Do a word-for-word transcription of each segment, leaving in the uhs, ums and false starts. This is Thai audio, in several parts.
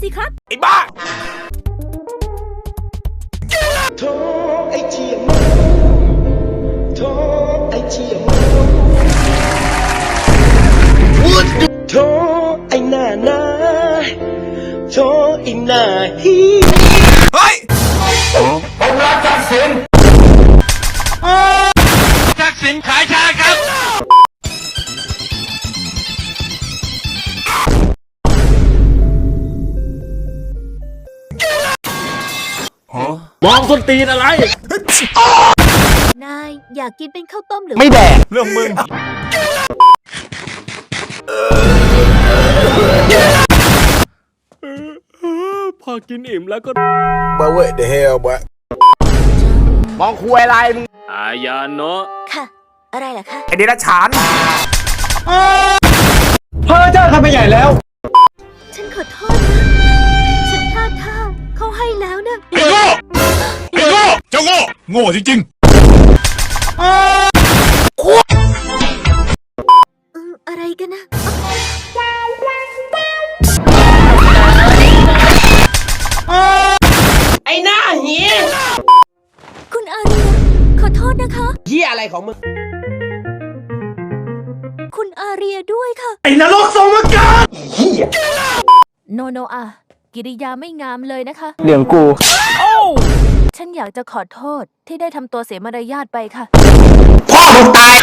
สิครับไอ้บ้าโธ่ไอ้เชี่ยเมาโธ่ไอ้เชี่ยเมาโธ่ไอ้หน้าหน้าโธ่ไอ้หน้าฮีเฮ้ยผมรักทักษิณทักษิณขายชาครับมองส้นตีนอะไรนายอยากกินเป็นข้าวต้มหรือไม่แดกเรื่องมึงพอกินอิ่มแล้วก็ But what the hell boy มองคุยอะไรมึงอายาโนะค่ะอะไรล่ะคะไอเดรัจฉานเพ้อเจ้าทำไปใหญ่แล้วฉันขอโทษนะฉันพลาดท่าเขาให้แล้วนะไอ้โง่ไอ้โง่เจ้าโง่โง่จริงๆอะไรกันนะไอ้หน้าเหี้ยคุณอาเรียขอโทษนะคะเหี้ยอะไรของมึงคุณอาเรียด้วยค่ะไอ้นรกสมการเหี้ยโนโนอากิริยาไม่งามเลยนะคะเรื่องกูฉันอยากจะขอโทษที่ได้ทำตัวเสียมารยาทไปค่ะพ่อมึงตาย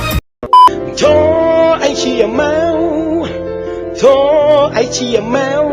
โธ่ไอ้เชี่ยเมาโธ่ไอ้เชี่ยเมา